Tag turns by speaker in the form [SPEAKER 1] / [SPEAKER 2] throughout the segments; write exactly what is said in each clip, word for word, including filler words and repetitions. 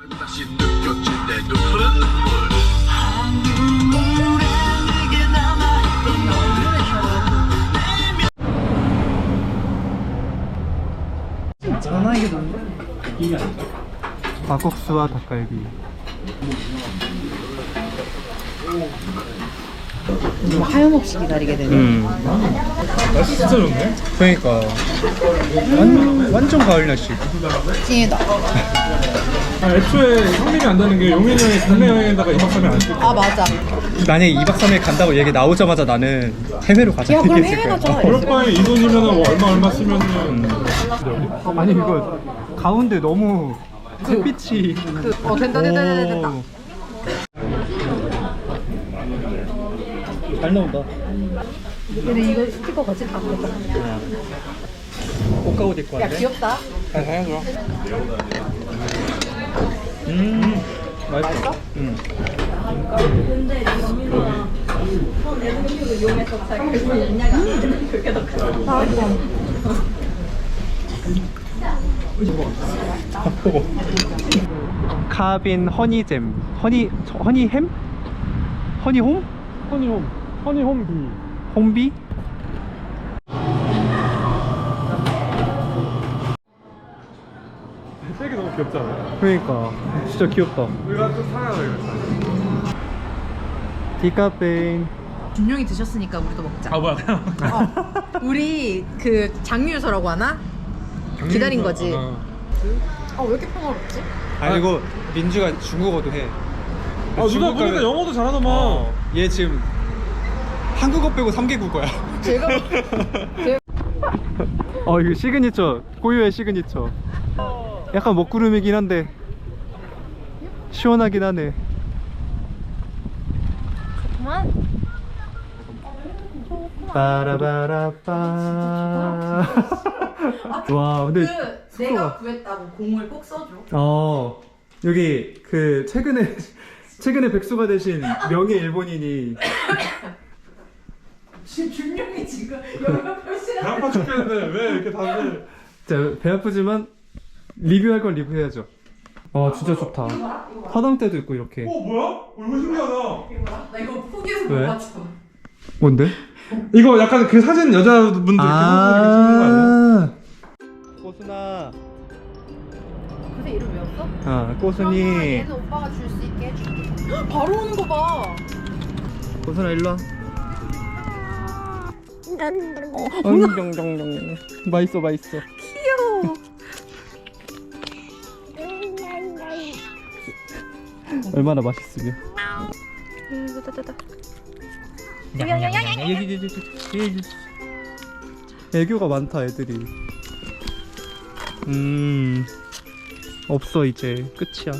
[SPEAKER 1] 다시 느껴질 내 눈물은 눈물 한 눈물에 내게 남아있던 너를
[SPEAKER 2] 전화기가 뭔데? 막국수와 닭갈비.
[SPEAKER 3] 좀 하염없이 기다리게 되네.
[SPEAKER 2] 음. 날씨 진짜 좋네. 그러니까 완, 완전 가을 날씨.
[SPEAKER 3] 찐이다.
[SPEAKER 4] 아, 애초에 형님이 안다는 게 용인이 형이 국내 여행에다가 이박 삼일 안 쓸 거야.
[SPEAKER 3] 아 맞아.
[SPEAKER 2] 만약에 이박 삼일 간다고 얘기 나오자마자 나는 해외로 가자
[SPEAKER 3] 야 그럼
[SPEAKER 2] 얘기했을
[SPEAKER 3] 해외
[SPEAKER 2] 거야.
[SPEAKER 3] 가자.
[SPEAKER 4] 그럴 바에 이 돈이면 뭐 얼마 얼마 쓰면은
[SPEAKER 2] 아니 이거 가운데 너무 햇빛이
[SPEAKER 3] 그, 어 된다 된다 된다 된다.
[SPEAKER 2] 오. 잘 나온다.
[SPEAKER 3] 근데 이거 스티커 같이 다 붙었다.
[SPEAKER 2] 옷가옷 입고
[SPEAKER 3] 야
[SPEAKER 2] 왔네.
[SPEAKER 3] 귀엽다.
[SPEAKER 2] 잘 사야죠. 음 맛있어? 응. 카빈 허니잼 허니 허니햄? 허니홈?
[SPEAKER 4] 허니홈, 허니홈비.
[SPEAKER 2] 홈비?
[SPEAKER 4] 색이 너무 귀엽지 않아요?
[SPEAKER 2] 그러니까 진짜 귀엽다.
[SPEAKER 4] 우리가 좀 사야 돼.
[SPEAKER 2] 디카페인.
[SPEAKER 3] 준용이 드셨으니까 우리도 먹자.
[SPEAKER 4] 아 뭐야 그냥.
[SPEAKER 3] 어. 우리 그 장유서라고 하나? 기다린 거지.
[SPEAKER 4] 아,
[SPEAKER 3] 아 왜 이렇게 평화롭지?
[SPEAKER 2] 아니 이거 민주가 중국어도 해.
[SPEAKER 4] 아 누가
[SPEAKER 2] 중국
[SPEAKER 4] 보니까
[SPEAKER 2] 가면-
[SPEAKER 4] 영어도 잘하더만.
[SPEAKER 2] 어, 얘 지금 한국어 빼고 삼 개 국어야.
[SPEAKER 3] 제가
[SPEAKER 2] 어 이거 시그니처 고유의 시그니처. 약간 먹구름이긴 한데 시원하긴 하네.
[SPEAKER 3] 그만.
[SPEAKER 2] 빠라바라빠. 와 근데
[SPEAKER 3] 그 내가 구했다고 공을 꼭 써줘.
[SPEAKER 2] 어 여기 그 최근에 최근에 백수가 되신 명예 일본인이
[SPEAKER 3] 지금 준용이 지금 영어 표시를.
[SPEAKER 4] 배 아파 죽겠는데 왜 이렇게 다들.
[SPEAKER 2] 진짜 배 아프지만 리뷰할 건 리뷰해야죠. 아 진짜 좋다. 화장대도 있고 이렇게.
[SPEAKER 4] 어 뭐야? 어, 이거 신기하다.
[SPEAKER 3] 나 이거 포기해서
[SPEAKER 2] 왜?
[SPEAKER 3] 못 맞춰.
[SPEAKER 2] 뭔데?
[SPEAKER 4] 이거 약간 그 사진 여자분들 이렇게 사진 이렇게 찍는 거 아니야?
[SPEAKER 2] 꼬순아.
[SPEAKER 3] 근데 이름 외웠어?
[SPEAKER 2] 아
[SPEAKER 3] 그러면
[SPEAKER 2] 꼬순이.
[SPEAKER 3] 얘는 오빠가 줄 수 있게 해줄게. 헉, 바로 오는 거 봐.
[SPEAKER 2] 꼬순아 일로 와.
[SPEAKER 3] 어,
[SPEAKER 2] 엉덩덩덩. 맛있어 맛있어.
[SPEAKER 3] 귀여워.
[SPEAKER 2] 얼마나 맛있으면. 애교가 많다 애들이. 음 없어 이제 끝이야.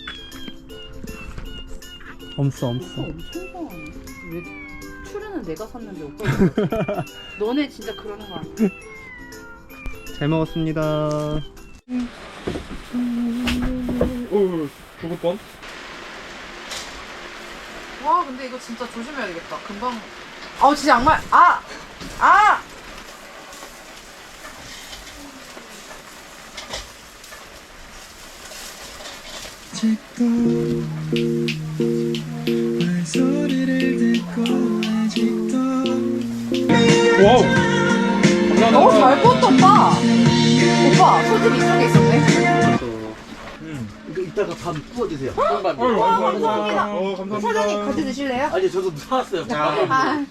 [SPEAKER 2] 없어 없어.
[SPEAKER 3] 엄청 좋아하네. 왜 출연은 내가 샀는데 오빠 너네 진짜 그러는 거 아니야?
[SPEAKER 2] 잘 먹었습니다.
[SPEAKER 4] 어 죽을 뻔.
[SPEAKER 3] 와 근데 이거 진짜 조심해야 되겠다. 금방. 아 진짜 양말. 아 아.
[SPEAKER 4] 와우.
[SPEAKER 3] 너무 잘 구웠다 오빠. 오빠 소금 이쪽에 있었네.
[SPEAKER 5] 이거 이따가 밥 구워주세요.
[SPEAKER 4] 아유,
[SPEAKER 5] 밥
[SPEAKER 4] 아이고, 아이고.
[SPEAKER 3] 감사합니다.
[SPEAKER 4] 어, 감사합니다.
[SPEAKER 3] 사장님 같이 드실래요?
[SPEAKER 5] 아니 저도 사왔어요.
[SPEAKER 3] 아.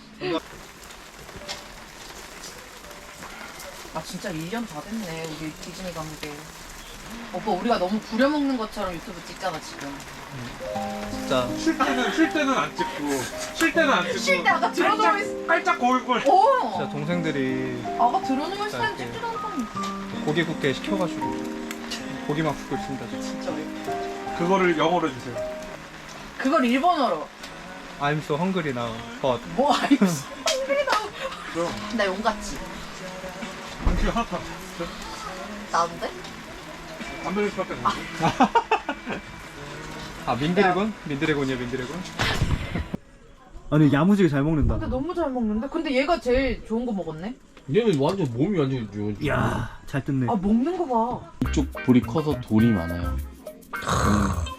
[SPEAKER 3] 아 진짜 일 년 다 됐네 우리 디즈니 간 게. 오빠 우리가 너무 부려먹는 것처럼 유튜브 찍잖아 지금.
[SPEAKER 2] 진짜
[SPEAKER 4] 쉴 때는 쉴 때는 안 찍고 쉴 때는 안 찍고.
[SPEAKER 3] 쉴 때 아까 들어누워 있.
[SPEAKER 4] 깔짝 거울 걸.
[SPEAKER 2] 진짜
[SPEAKER 3] 오.
[SPEAKER 2] 동생들이
[SPEAKER 3] 아까 들어누워 있을 땐
[SPEAKER 2] 이렇게.
[SPEAKER 3] 찍지도 않았잖아.
[SPEAKER 2] 고기 굽게 시켜가지고 고기만 굽고 있습니다 지금.
[SPEAKER 3] 진짜 왜?
[SPEAKER 4] 그거를 영어로 해주세요.
[SPEAKER 3] 그걸 일본어로.
[SPEAKER 2] I'm so hungry now, but
[SPEAKER 3] 뭐 아이고 성질이 나고.
[SPEAKER 4] 그럼.
[SPEAKER 3] 나 용같지.
[SPEAKER 4] 음식 하나 더.
[SPEAKER 3] 나온데?
[SPEAKER 4] 안 들릴 수밖에 없네.
[SPEAKER 2] 아 민드래곤? 민드래곤이야 민드래곤? 아니 야무지게 잘 먹는다.
[SPEAKER 3] 근데 너무 잘 먹는데? 근데 얘가 제일 좋은 거 먹었네?
[SPEAKER 5] 얘는 완전 몸이 완전 좋은.
[SPEAKER 2] 이야 잘 뜯네.
[SPEAKER 3] 아 먹는 거 봐.
[SPEAKER 5] 이쪽 볼이 커서 돌이 많아요. 음.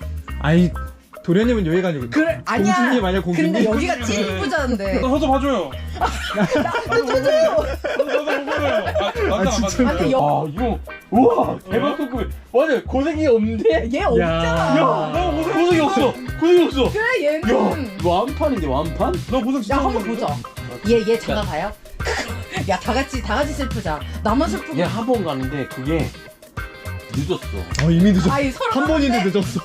[SPEAKER 2] 아니 도련님은 여기가 아니고
[SPEAKER 3] 그래 아니야.
[SPEAKER 2] 공주님 아니야 공주님.
[SPEAKER 3] 근데 여기가 찐이쁘자는데.
[SPEAKER 4] 나 저도 봐줘요.
[SPEAKER 3] 저도.
[SPEAKER 4] 저도 봐줘요. 아,
[SPEAKER 2] 아, 진짜.
[SPEAKER 3] 아니 여.
[SPEAKER 5] 아 이거 우와 대박 덕분. 맞아 고생이 없는데.
[SPEAKER 3] 얘 없잖아.
[SPEAKER 5] 야 고생이 없어. 고생이 없어.
[SPEAKER 3] 그래 얘는.
[SPEAKER 5] 야 완판인데 완판?
[SPEAKER 4] 너 고생 진짜
[SPEAKER 3] 야 한번
[SPEAKER 4] 많이
[SPEAKER 3] 보자. 얘 얘 장가 가요? 야 다 같이 다 같이 슬프자. 나만 슬프고.
[SPEAKER 5] 얘 한 번 가는데 그게 늦었어.
[SPEAKER 2] 어 이미 늦었어.
[SPEAKER 3] 아니 서로
[SPEAKER 2] 한 번인데
[SPEAKER 3] 하는데?
[SPEAKER 2] 늦었어.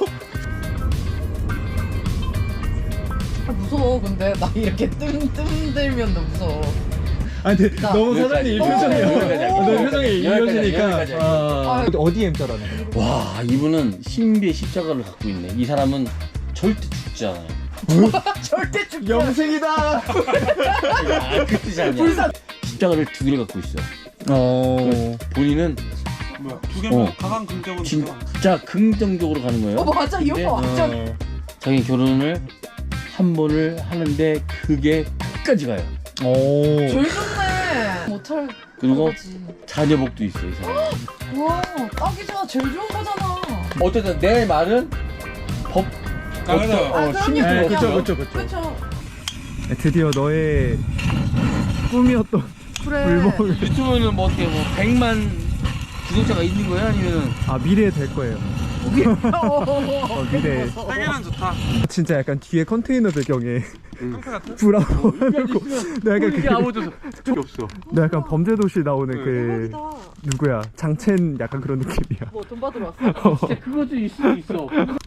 [SPEAKER 3] 아, 무서워 근데 나 이렇게 뜸뜸 들면 너 무서워.
[SPEAKER 2] 아니 근데
[SPEAKER 3] 나-
[SPEAKER 2] 너무 사장님 이 표정이야.
[SPEAKER 3] 여기까지,
[SPEAKER 2] 너 표정이
[SPEAKER 5] 여기까지,
[SPEAKER 2] 이어지니까.
[SPEAKER 5] 여기까지.
[SPEAKER 2] 아,
[SPEAKER 3] 아유.
[SPEAKER 2] 어디 M자라는 거야?
[SPEAKER 5] 와 이분은 신비의 십자가를 갖고 있네. 이 사람은 절대 죽지 않아요.
[SPEAKER 3] 절대 죽지.
[SPEAKER 2] 영생이다.
[SPEAKER 5] 아, 그 뜻이 아니야. 십자가를 두 개를 갖고 있어.
[SPEAKER 2] 어.
[SPEAKER 5] 본인은
[SPEAKER 4] 뭐야 두 개면
[SPEAKER 5] 어.
[SPEAKER 4] 가장 긍정은
[SPEAKER 5] 진짜 긍정적으로 가는 거예요.
[SPEAKER 3] 어 맞아 이
[SPEAKER 5] 근데
[SPEAKER 3] 오빠 완전.
[SPEAKER 2] 어.
[SPEAKER 5] 자기 결혼을 한 번을 하는데 그게 끝까지 가요.
[SPEAKER 2] 오.
[SPEAKER 3] 제일 좋네. 못할
[SPEAKER 5] 그리고
[SPEAKER 3] 거지.
[SPEAKER 5] 자녀복도 있어 이 사람.
[SPEAKER 3] 와 딱이잖아. 제일 좋은 거잖아.
[SPEAKER 5] 어쨌든 내 말은 법.
[SPEAKER 4] 아, 그래서
[SPEAKER 5] 어,
[SPEAKER 3] 아,
[SPEAKER 5] 신이
[SPEAKER 3] 그럼요.
[SPEAKER 2] 네,
[SPEAKER 5] 들어갔죠.
[SPEAKER 2] 그쵸 그쵸 그쵸.
[SPEAKER 3] 그렇죠.
[SPEAKER 2] 드디어 너의 꿈이었던
[SPEAKER 3] 그래.
[SPEAKER 2] 불법을.
[SPEAKER 5] 유튜브는 뭐 어떻게 뭐 백만 구독자가 있는 거야 아니면은
[SPEAKER 2] 아 미래에 될 거예요. 어, 미래.
[SPEAKER 4] 세계는 좋다.
[SPEAKER 2] 진짜 약간 뒤에 컨테이너 배경에
[SPEAKER 4] 상태 같아?
[SPEAKER 2] 브라보 하고 나 약간
[SPEAKER 5] 이게
[SPEAKER 2] 그,
[SPEAKER 5] 아무도 적이 없어.
[SPEAKER 2] 나 약간 범죄도시 나오는 그
[SPEAKER 3] 대박이다.
[SPEAKER 2] 누구야 장첸 약간 그런 느낌이야.
[SPEAKER 3] 뭐 돈 받으러 왔어?
[SPEAKER 5] 진짜 그것도 있어 있어.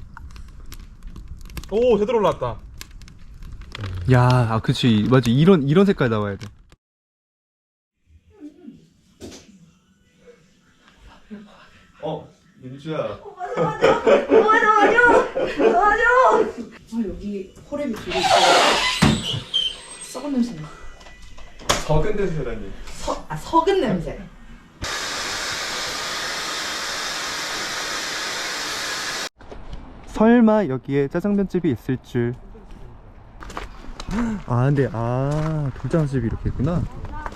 [SPEAKER 4] 오 제대로 올라왔다.
[SPEAKER 2] 야, 아 그치 맞지 이런 이런 색깔 나와야 돼. 어 민주야.
[SPEAKER 3] 아 여기 호랩이 두개 있어. 썩은 냄새 나.
[SPEAKER 2] 적은 데서라니.
[SPEAKER 3] 서, 아 석은 냄새.
[SPEAKER 2] 설마 여기에 짜장면집이 있을 줄. 아 근데 아 돌장집이 이렇게 있구나.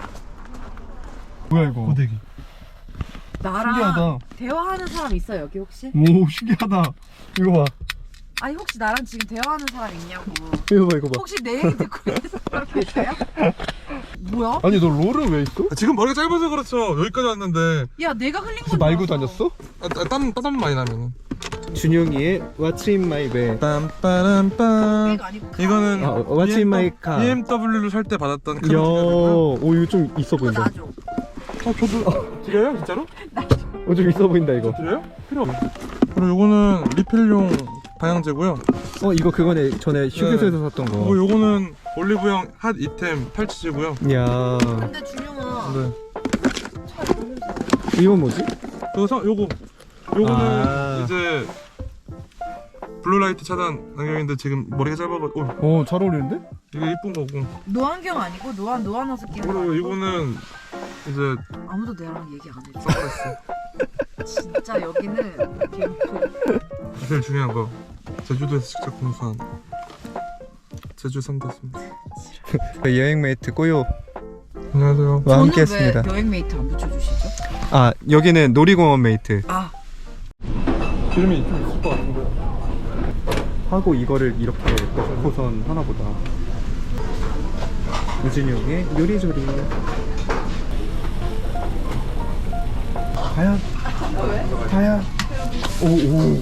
[SPEAKER 2] 뭐야 이거? 고데기.
[SPEAKER 3] 나랑
[SPEAKER 2] 신기하다.
[SPEAKER 3] 대화하는 사람 있어 여기 혹시?
[SPEAKER 2] 오 신기하다. 이거 봐.
[SPEAKER 3] 아니 혹시 나랑 지금 대화하는 사람 있냐고.
[SPEAKER 2] 이거 봐 이거 봐.
[SPEAKER 3] 혹시 내 얘기 듣고 있는 사람 있어요? 뭐야?
[SPEAKER 2] 아니 너 롤은 왜 있어?
[SPEAKER 4] 아, 지금 머리가 짧아서 그렇죠. 여기까지 왔는데
[SPEAKER 3] 야 내가 흘린
[SPEAKER 2] 혹시
[SPEAKER 3] 건
[SPEAKER 2] 말고
[SPEAKER 3] 나왔어.
[SPEAKER 2] 다녔어?
[SPEAKER 4] 아, 땀, 땀, 땀 많이 나면은.
[SPEAKER 2] 준용이의 What's in my bag.
[SPEAKER 4] 빰빠람빰.
[SPEAKER 3] 내가 아니고
[SPEAKER 4] 이거는
[SPEAKER 2] 아, What's in my car.
[SPEAKER 4] 비엠더블유를 살 때 받았던 큰
[SPEAKER 2] 야,
[SPEAKER 4] 티켓이고요.
[SPEAKER 2] 오 이거 좀 있어
[SPEAKER 3] 그거
[SPEAKER 2] 보인다.
[SPEAKER 3] 놔줘.
[SPEAKER 4] 어, 저도 드려요 진짜로?
[SPEAKER 2] 어, 좀 있어 보인다 이거.
[SPEAKER 4] 드려요? 필요 없어. 그리고 요거는 리필용 방향제고요.
[SPEAKER 2] 어 이거 그거네 전에 휴게소에서 샀던
[SPEAKER 4] 그리고
[SPEAKER 2] 거.
[SPEAKER 4] 요거는 올리브영 핫 이템 팔찌제고요.
[SPEAKER 2] 야,
[SPEAKER 3] 근데 준용아.
[SPEAKER 4] 네.
[SPEAKER 2] 이건 뭐지?
[SPEAKER 4] 요거 성- 요거 요거는
[SPEAKER 2] 아.
[SPEAKER 4] 이제 블루라이트 차단 안경인데 지금 머리가 짧아가지고 어,
[SPEAKER 2] 어, 잘 어울리는데?
[SPEAKER 4] 이게 이쁜 거고.
[SPEAKER 3] 노안경 아니고 노안 노안어서 끼는 거
[SPEAKER 4] 그리고
[SPEAKER 3] 아니고?
[SPEAKER 4] 이거는 이제
[SPEAKER 3] 아무도 내랑 얘기 안 해줘.
[SPEAKER 4] 선글라스.
[SPEAKER 3] 진짜 여기는 개인풀.
[SPEAKER 4] 제일 중요한 거 제주도에서 직접 공수한 제주 삼대입니다.
[SPEAKER 2] 여행 메이트 꼬요와
[SPEAKER 4] 안녕하세요.
[SPEAKER 2] 함께했습니다.
[SPEAKER 3] 왜 여행 메이트 안 붙여주시죠?
[SPEAKER 2] 아 여기는 놀이공원 메이트.
[SPEAKER 3] 아
[SPEAKER 4] 기름이 좀 있을 것 같은데.
[SPEAKER 2] 하고 이거를 이렇게 넣고선 하나 보다. 우진용의 요리조리. 과연? 과연? 오오.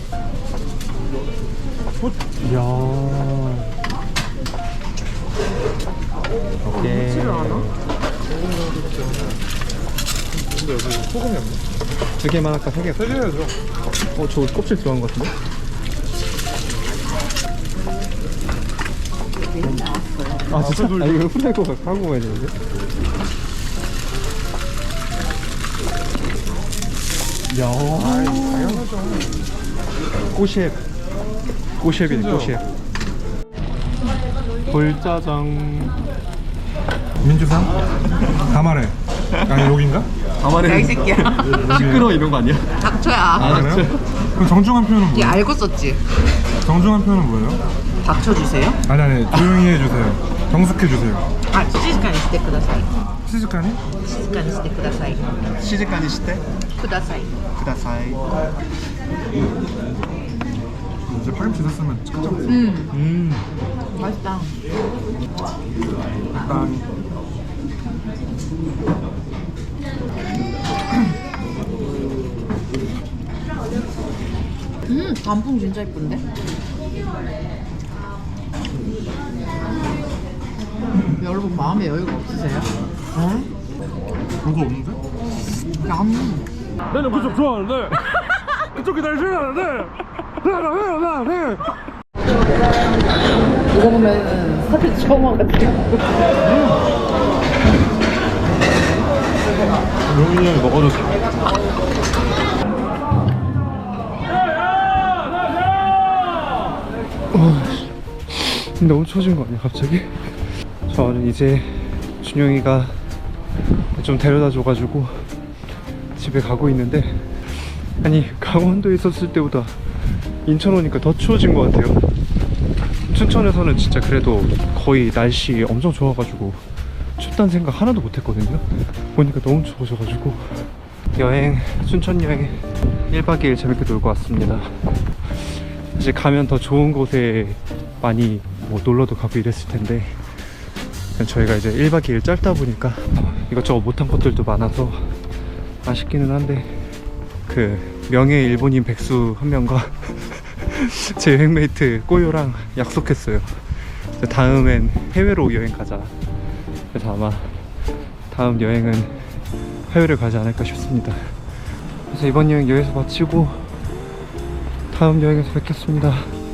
[SPEAKER 2] 이야. 오케이.
[SPEAKER 3] 치를 않아?
[SPEAKER 4] 근데 여기 소금이 없네.
[SPEAKER 2] 두 개만 할까 세 개?
[SPEAKER 4] 세 개야죠.
[SPEAKER 2] 어, 저 껍질 들어간 것 같은데? 아, 진짜? 아, 이거 후라이거 하고 가야 되는데? 야,
[SPEAKER 4] 당연하죠.
[SPEAKER 2] 꼬셰프. 꼬셰프이네, 꼬셰프. 돌짜장.
[SPEAKER 4] 민주상? 가마레. 아니 여긴가?
[SPEAKER 2] 가만히
[SPEAKER 3] 이 새끼야.
[SPEAKER 2] 시끄러워 이런 거 아니야?
[SPEAKER 3] 닥쳐야.
[SPEAKER 4] 아, 그래요? 그럼 정중한 표현은
[SPEAKER 3] 얘
[SPEAKER 4] 뭐예요?
[SPEAKER 3] 알고 썼지?
[SPEAKER 4] 정중한 표현은 뭐예요?
[SPEAKER 3] 닥쳐주세요.
[SPEAKER 4] 아니 아니 조용히 해주세요. 정숙해주세요.
[SPEAKER 3] 아 시즈카니 시테 쿠다사이.
[SPEAKER 4] 시즈카니?
[SPEAKER 3] 시즈카니 시테 쿠다사이.
[SPEAKER 2] 시즈카니 시대?
[SPEAKER 3] 쿠다사이.
[SPEAKER 2] 쿠다사이.
[SPEAKER 4] 이제 파김치 있었으면 깜짝 놀랐어.
[SPEAKER 3] 음,
[SPEAKER 2] 음.
[SPEAKER 3] 맛있다.
[SPEAKER 4] 일단
[SPEAKER 3] 음, 단풍 진짜 이쁜데? 여러분 마음에 여유가 없으세요?
[SPEAKER 4] 별거 없는데?
[SPEAKER 3] 양.
[SPEAKER 4] 나는 그쪽 좋아하는데 그쪽이 날 싫어하는데 내가 해요 나 해.
[SPEAKER 3] 이거 보면은 스타필드 처음 와가지고.
[SPEAKER 4] 용인이 형이 먹어줬어.
[SPEAKER 2] 너무 추워진 거 아니야 갑자기? 저는 이제 준영이가 좀 데려다 줘가지고 집에 가고 있는데, 아니 강원도에 있었을 때보다 인천 오니까 더 추워진 것 같아요. 춘천에서는 진짜 그래도 거의 날씨 엄청 좋아가지고 춥다는 생각 하나도 못했거든요. 보니까 너무 추워져가지고 여행, 춘천 여행 일 박 이 일 재밌게 놀고 왔습니다. 사실 가면 더 좋은 곳에 많이 뭐 놀러도 가고 이랬을 텐데, 저희가 이제 일 박 이 일 짧다 보니까 이것저것 못한 것들도 많아서 아쉽기는 한데, 그 명예 일본인 백수 한 명과 제 여행메이트 꼬요랑 약속했어요. 다음엔 해외로 여행 가자. 그래서 아마 다음 여행은 해외를 가지 않을까 싶습니다. 그래서 이번 여행 여기서 마치고 다음 여행에서 뵙겠습니다.